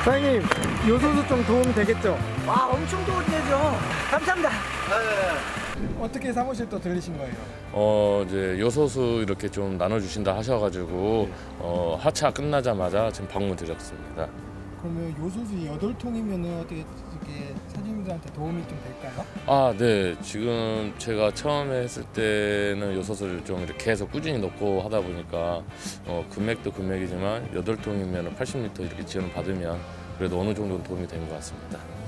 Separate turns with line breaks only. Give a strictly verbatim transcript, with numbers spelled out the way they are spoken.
사장님, 요소수 좀 도움이 되겠죠?
와, 엄청 도움이 되죠. 감사합니다.
어떻게 사무실 또 들리신 거예요?
어 이제 요소수 이렇게 좀 나눠주신다 하셔가지고 어, 하차 끝나자마자 지금 방문 드렸습니다.
그러면 요소수 여덟 통이면 어떻게 이렇게 사장님들한테 도움이 좀 될까요?
아, 네. 지금 제가 처음에 했을 때는 요소수를 좀 이렇게 해서 꾸준히 넣고 하다 보니까 어, 금액도 금액이지만 여덟 통이면 팔십 리터 이렇게 지원 받으면 그래도 어느 정도는 도움이 된 것 같습니다.